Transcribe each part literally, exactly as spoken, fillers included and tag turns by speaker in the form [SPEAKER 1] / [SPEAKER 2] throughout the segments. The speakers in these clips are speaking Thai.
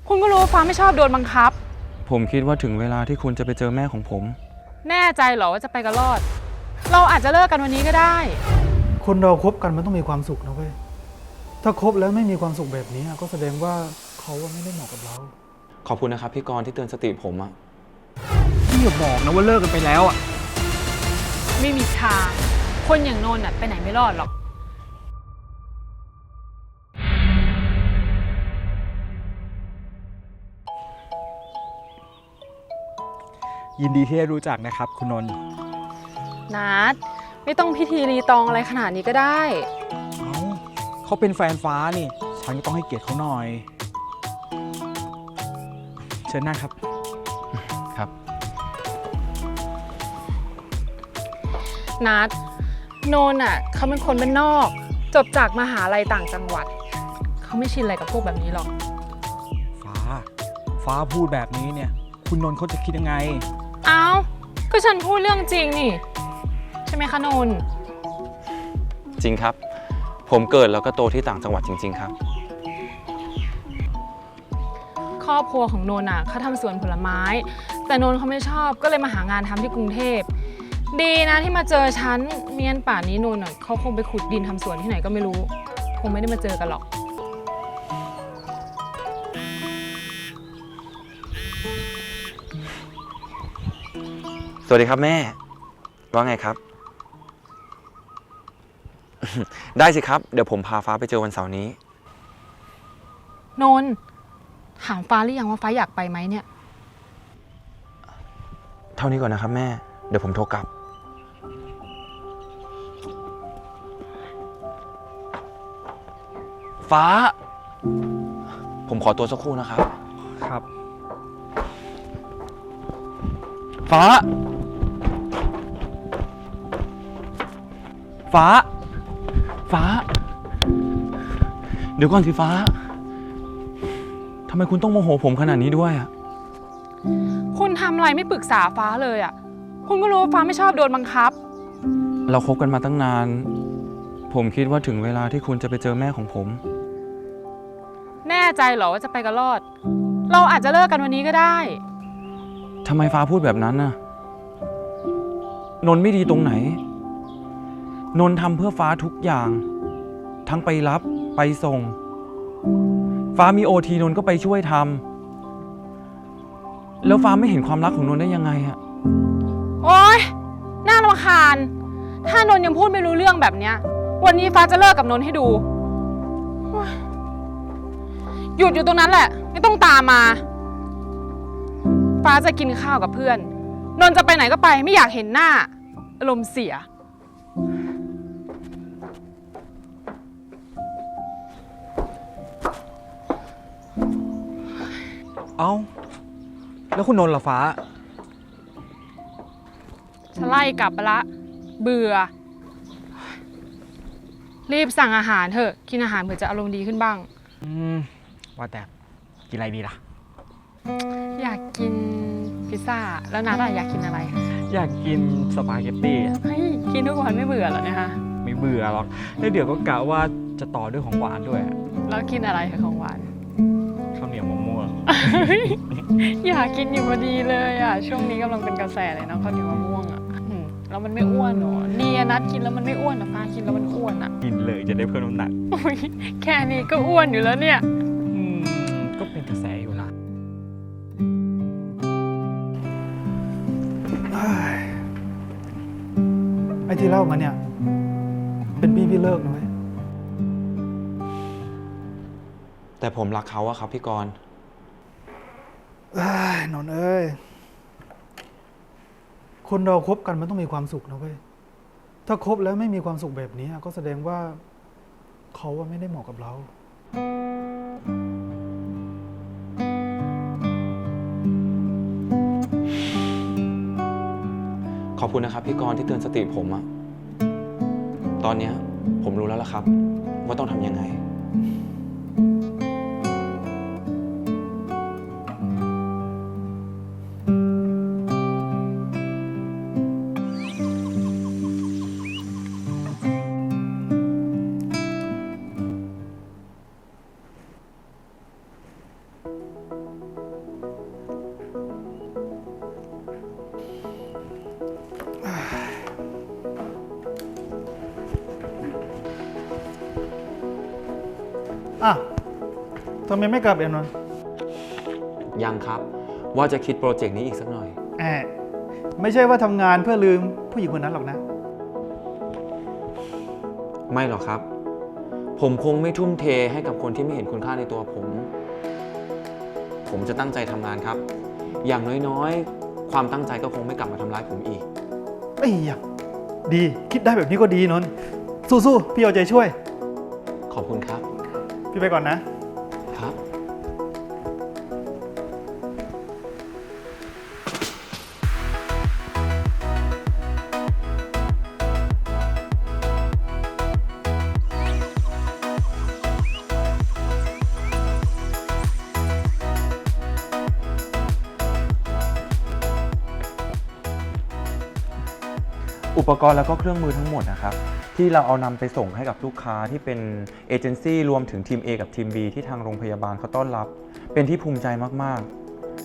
[SPEAKER 1] คุณก็รู้ว่าฟ้าไม่ชอบโดนบังคับ
[SPEAKER 2] ผมคิดว่าถึงเวลาที่คุณจะไปเจอแม่ของผม
[SPEAKER 1] แน่ใจเหรอว่าจะไปกันรอดเราอาจจะเลิกกันวันนี้ก็ได้
[SPEAKER 3] คนเราคบกันมันต้องมีความสุขนะเว้ยถ้าคบแล้วไม่มีความสุขแบบนี้ก็แสดงว่าเขาไม่ได้เหมาะกับเรา
[SPEAKER 2] ขอบคุณนะครับพี่กรณ์ที่เตือนสติผมอะ
[SPEAKER 4] พี่อย่าบอกนะว่าเลิกกันไปแล้วอะ
[SPEAKER 1] ไม่มีทางคนอย่างนนท์ไปไหนไม่รอดหรอก
[SPEAKER 4] ยินดีที่ได้รู้จักนะครับคุณนนท์
[SPEAKER 1] นัดไม่ต้องพิธีรีตองอะไรขนาดนี้ก็ได้
[SPEAKER 4] เอ้าเขาเป็นแฟนฟ้านี่ฉันก็ต้องให้เกียรติเขาหน่อยเชิญนั่งครับ
[SPEAKER 2] ครับ
[SPEAKER 1] นัดโนนอ่ะเขาเป็นคนบ้านนอกจบจากมหาลัยต่างจังหวัดเขาไม่ชินอะไรกับพวกแบบนี้หรอก
[SPEAKER 4] ฟ้าฟ้าพูดแบบนี้เนี่ยคุณนนท์เขาจะคิดยังไง
[SPEAKER 1] เอ้าก็ฉันพูดเรื่องจริงนี่ใช่ไหมคะนนท์
[SPEAKER 2] จริงครับผมเกิดแล้วก็โตที่ต่างจังหวัดจริงๆครับ
[SPEAKER 1] ครอบครัวของนนท์อ่ะเขาทำสวนผลไม้แต่นนท์เขาไม่ชอบก็เลยมาหางานทำที่กรุงเทพดีนะที่มาเจอฉันเมียนป่านนี้นนท์อ่ะเขาคงไปขุดดินทำสวนที่ไหนก็ไม่รู้คงไม่ได้มาเจอกันหรอก
[SPEAKER 2] สวัสดีครับแม่ว่าไงครับ ได้สิครับเดี๋ยวผมพาฟ้าไปเจอวันเสาร์นี้
[SPEAKER 1] นนท์ถามฟ้าหรือยังว่าฟ้าอยากไปไหมเนี่ย
[SPEAKER 2] เท่านี้ก่อนนะครับแม่เดี๋ยวผมโทรกลับฟ้าผมขอตัวสักครู่นะครับ
[SPEAKER 4] ครับ
[SPEAKER 2] ฟ้าฟ้าฟ้าเดี๋ยวก่อนสิฟ้าทำไมคุณต้องโมโหผมขนาดนี้ด้วยอ่ะ
[SPEAKER 1] คุณทำอะไรไม่ปรึกษาฟ้าเลยอ่ะคุณก็รู้ว่าฟ้าไม่ชอบโดนบังคับ
[SPEAKER 2] เราคบกันมาตั้งนานผมคิดว่าถึงเวลาที่คุณจะไปเจอแม่ของผม
[SPEAKER 1] แน่ใจเหรอว่าจะไปกันรอดเราอาจจะเลิกกันวันนี้ก็ได้
[SPEAKER 2] ทำไมฟ้าพูดแบบนั้นน่ะนนท์ไม่ดีตรงไหนนนท์ทำเพื่อฟ้าทุกอย่างทั้งไปรับไปส่งฟ้ามีโอทีนนท์ก็ไปช่วยทำแล้วฟ้าไม่เห็นความรักของนนท์ได้ยังไงอะ
[SPEAKER 1] โอ๊ยน่ารำคาญถ้านนท์ยังพูดไม่รู้เรื่องแบบเนี้ยวันนี้ฟ้าจะเลิกกับนนท์ให้ดูหยุดอยู่ตรงนั้นแหละไม่ต้องตามมาฟ้าจะกินข้าวกับเพื่อนนนท์จะไปไหนก็ไปไม่อยากเห็นหน้าอารมณ์เสีย
[SPEAKER 4] เอ้าแล้วคุณนนท์ล่ะฟ้า
[SPEAKER 1] ฉันไล่กลับไปละเบื่อรีบสั่งอาหารเถอะกินอาหารเผื่อจะอารมณ์ดีขึ้นบ้าง
[SPEAKER 4] อืมว่าแต่กินอะไรดีล่ะ
[SPEAKER 1] อยากกินพิซซ่าแล้วนัดอยากกินอะไร
[SPEAKER 4] อยากกินสปาเกตตี้
[SPEAKER 1] เฮ้ยกินทุกวันไม่เบื่อหรอเนี่ยฮะ
[SPEAKER 4] ไม่เบื่อหรอกแล้วเดี๋ยวก็กะว่าจะต่อด้วยของหวานด้วย
[SPEAKER 1] แล้วกินอะไรของหวาน
[SPEAKER 4] ข้าวเหนียวมะม่วง
[SPEAKER 1] อยากกินอยู่พอดีเลยอ่ะช่วงนี้กำลังเป็นกระแสเลยนะข้าวเหนียวมะม่วงอ่ะแล้วมันไม่อ้วนหรอเนี่ยนัดกินแล้วมันไม่อ้วนนะฟ้ากินแล้วมันอ้วนอ่ะ
[SPEAKER 4] กินเลยจะได้เพิ่มน้ำหนัก
[SPEAKER 1] แค่นี้ก็อ้วนอยู่แล้วเนี่ย
[SPEAKER 4] อืมก็เป็นกระแสอยู่นะ
[SPEAKER 3] ไอ้ที่เล่ามาเนี่ยเป็นพี่พี่เลิกนะเว้ย
[SPEAKER 2] แต่ผมรักเขาอะครับพี่กรณ์
[SPEAKER 3] นนท์เอ้ยคนเราคบกันมันต้องมีความสุขนะเว้ยถ้าคบแล้วไม่มีความสุขแบบนี้ก็แสดงว่าเขาไม่ได้เหมาะกับเรา
[SPEAKER 2] ขอบคุณนะครับพี่กรณ์ที่เตือนสติผมอะตอนนี้ผมรู้แล้วล่ะครับว่าต้องทำยังไง
[SPEAKER 3] ำไมไม่กลับเอ็นนนท์
[SPEAKER 2] ยังครับ ว่าจะคิดโปรเจกต์นี้อีกสักหน่อย
[SPEAKER 3] แอบไม่ใช่ว่าทำงานเพื่อลืมผู้หญิงคนนั้นหรอกนะ
[SPEAKER 2] ไม่หรอกครับ ผมคงไม่ทุ่มเทให้กับคนที่ไม่เห็นคุณค่าในตัวผม ผมจะตั้งใจทำงานครับ อย่างน้อยๆ ความตั้งใจก็คงไม่กลับมาทำร้ายผมอีก
[SPEAKER 3] ไอ้ยะดีคิดได้แบบนี้ก็ดีนนท์สู้ๆพี่เอาใจช่วย
[SPEAKER 2] ขอบคุณครับ
[SPEAKER 3] พี่ไปก่อนนะ
[SPEAKER 2] ครับ อุปกรณ์แล้วก็เครื่องมือทั้งหมดนะครับ ที่เราเอานำไปส่งให้กับลูกค้าที่เป็นเอเจนซี่รวมถึงทีม A กับทีม B ที่ทางโรงพยาบาลเขาต้อนรับ เป็นที่ภูมิใจมากๆ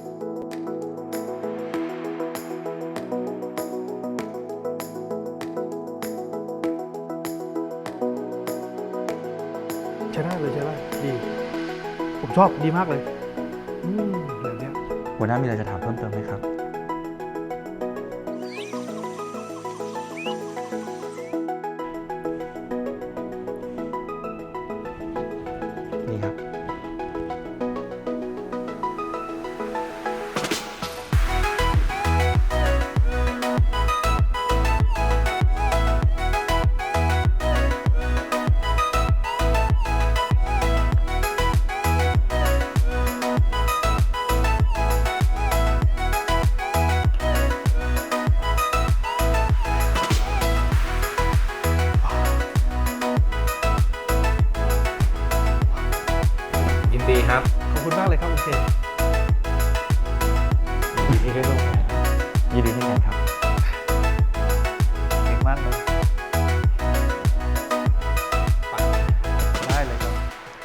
[SPEAKER 3] ใช้ได้เลยใช้ได้ดี ผมชอบดีมากเลย อืมแบบเนี้ย
[SPEAKER 2] หัวหน้ามีอะไรจะถามเพิ่มเติมไหมครับ นี่ครับ
[SPEAKER 4] ยินดีครับ
[SPEAKER 3] ขอบคุณมากเลยครับโอเค
[SPEAKER 2] ยินดีที่ได้ร่วมงานยินดีที่งานครับ
[SPEAKER 3] เก่งมากเลยได้เลยครับ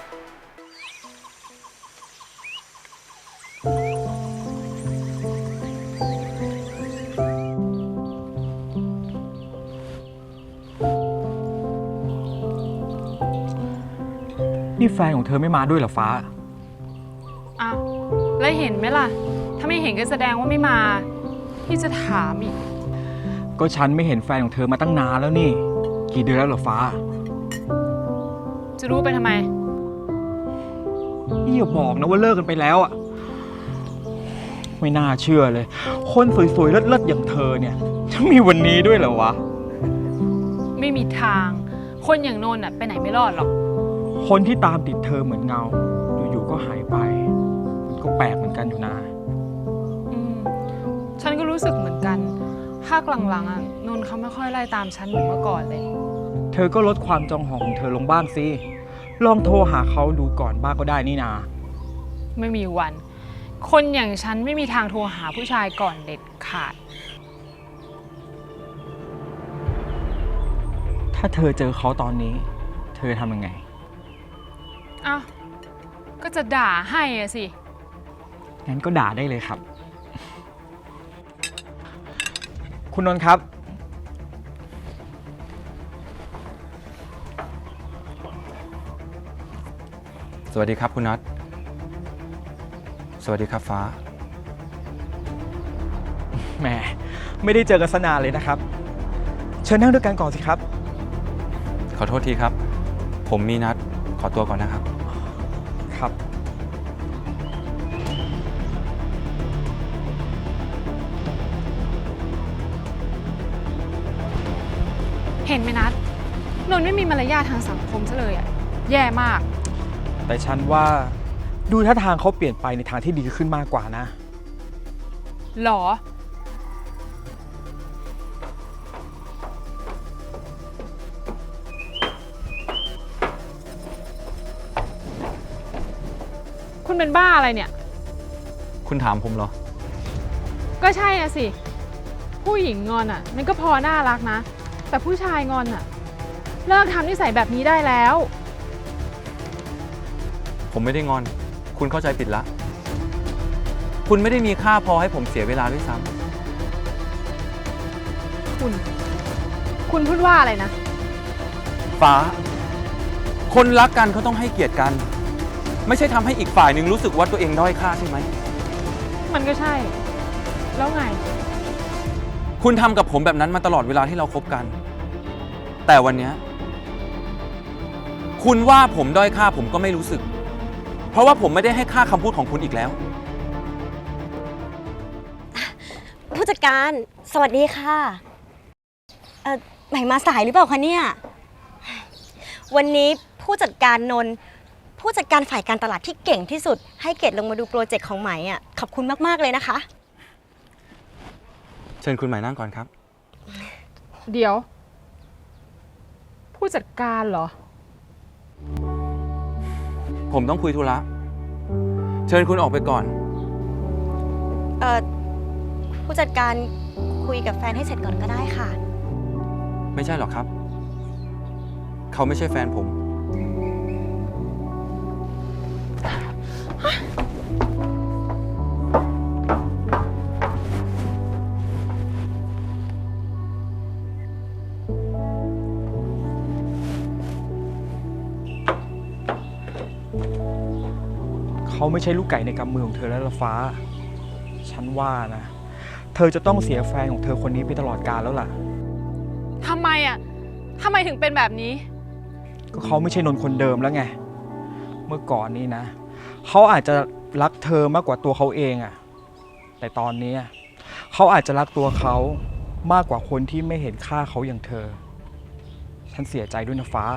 [SPEAKER 4] นี่แฟนของเธอไม่มาด้วยเหรอฟ้า
[SPEAKER 1] อ้าวแล้วเห็นไหมล่ะ ถ้าไม่เห็นก็แสดงว่าไม่มา พี่จะถามอีก
[SPEAKER 4] ก็ฉันไม่เห็นแฟนของเธอมาตั้งนานแล้วนี่ กี่เดือนแล้วเหรอฟ้า
[SPEAKER 1] จะรู้ไปทำไม
[SPEAKER 4] นี่อย่าบอกนะว่าเลิกกันไปแล้วอ่ะ ไม่น่าเชื่อเลย คนสวยๆเลิศๆอย่างเธอเนี่ยจะมีวันนี้ด้วยเหรอวะ
[SPEAKER 1] ไม่มีทาง คนอย่างโนนน่ะไปไหนไม่รอดหรอก
[SPEAKER 4] คนที่ตามติดเธอเหมือนเงา อยู่ๆก็หายไป มันก็แปลกเหมือนกันอยู่นะ
[SPEAKER 1] อืมฉันก็รู้สึกเหมือนกันภาคหลังๆอ่ะนนท์เขาไม่ค่อยไล่ตามฉันเหมือนเมื่อก่อนเลย
[SPEAKER 4] เธอก็ลดความจองหองของเธอลงบ้างสิ ลองโทรหาเขาดูก่อนบ้างก็ได้นี่นา
[SPEAKER 1] ไม่มีวัน คนอย่างฉันไม่มีทางโทรหาผู้ชายก่อนเด็ดขาด
[SPEAKER 4] ถ้าเธอเจอเขาตอนนี้ เธอทำยังไง
[SPEAKER 1] อ้าว ก็จะด่าให้อะสิ
[SPEAKER 4] งั้นก็ด่าได้เลยครับ คุณนนท์ครับ
[SPEAKER 2] สวัสดีครับคุณนัท สวัสดีครับฟ้า
[SPEAKER 4] แหม ไม่ได้เจอกันสนานเลยนะครับ เชิญนั่งด้วยกันก่อนสิครับ
[SPEAKER 2] ขอโทษทีครับ ผมมีนัด ขอตัวก่อนนะครับ
[SPEAKER 4] ครับ
[SPEAKER 1] เห็นไหมนัดนนท์ไม่มีมารยาททางสังคมซะเลยอะแย่มาก
[SPEAKER 4] แต่ฉันว่าดูท่าทางเขาเปลี่ยนไปในทางที่ดีขึ้นมากกว่านะ
[SPEAKER 1] หรอ คุณเป็นบ้าอะไรเนี่ย
[SPEAKER 2] คุณถามผมเหรอ
[SPEAKER 1] ก็ใช่อะสิ ผู้หญิงงอนอะมันก็พอน่ารักนะ แต่ผู้ชายงอนอะเลิกทำนิสัยแบบนี้ได้แล้ว
[SPEAKER 2] ผมไม่ได้งอน คุณเข้าใจผิดละ คุณไม่ได้มีค่าพอให้ผมเสียเวลาด้วยซ้
[SPEAKER 1] คุณ คุณพูดว่าอะไรนะ
[SPEAKER 2] ำฟ้า คนรักกันเขาต้องให้เกียรติกันไม่ใช่ทำให้อีกฝ่ายหนึ่งรู้สึกว่าตัวเองด้อยค่าใช่ไหม
[SPEAKER 1] มันก็ใช่ แล้วไง
[SPEAKER 2] คุณทำกับผมแบบนั้นมาตลอดเวลาที่เราคบกัน แต่วันเนี้ยคุณว่าผมด้อยค่าผมก็ไม่รู้สึก เพราะว่าผมไม่ได้ให้ค่าคำพูดของคุณอีกแล้ว
[SPEAKER 5] ผู้จัดการสวัสดีค่ะเอ่อใหม่มาสายหรือเปล่าคะเนี่ยวันนี้ผู้จัดการนนท์ผู้จัดการฝ่ายการตลาดที่เก่งที่สุดให้เกดลงมาดูโปรเจกต์ของใหม่อ่ะขอบคุณมากๆเลยนะคะ
[SPEAKER 2] เชิญคุณหมายนั่งก่อนครับ
[SPEAKER 1] เดี๋ยว ผู้จัดการเหรอ
[SPEAKER 2] ผมต้องคุยธุระ เชิญคุณออกไปก่อน
[SPEAKER 5] เอ่อผู้จัดการคุยกับแฟนให้เสร็จก่อนก็ได้ค่ะ
[SPEAKER 2] ไม่ใช่หรอกครับ เขาไม่ใช่แฟนผม
[SPEAKER 4] เขาไม่ใช่ลูกไก่ในกำมือของเธอแล้วละฟ้า ฉันว่านะ เธอจะต้องเสียแฟนของเธอคนนี้ไปตลอดกาลแล้วล่ะ
[SPEAKER 1] ทำไมอ่ะ ทำไมถึงเป็นแบบนี้
[SPEAKER 4] ก็เขาไม่ใช่นนท์คนเดิมแล้วไง เมื่อก่อนนี้นะ เขาอาจจะรักเธอมากกว่าตัวเขาเองอะแต่ตอนนี้เขาอาจจะรักตัวเขามากกว่าคนที่ไม่เห็นค่าเขาอย่างเธอ ฉันเสียใจด้วยนะฟ้า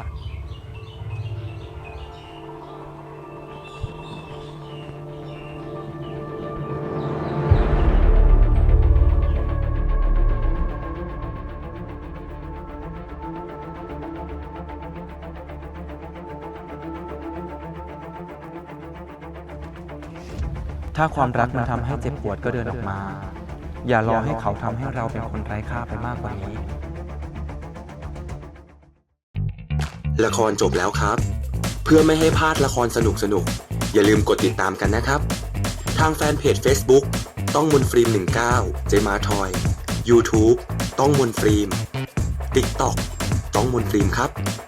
[SPEAKER 2] ถ้าความรักมันทำให้เจ็บปวดก็เดินออกมา อย่ารอให้เขาทำให้เราเป็นคนไร้ค่าไปมากกว่านี้
[SPEAKER 6] ละครจบแล้วครับ เพื่อไม่ให้พลาดละครสนุกๆ อย่าลืมกดติดตามกันนะครับ ทางแฟนเพจ Facebook ต้องมนต์ฟิล์มหนึ่งเก้า เจมาทอย YouTube ต้องมนต์ฟิล์ม TikTok ต้องมนต์ฟิล์มครับ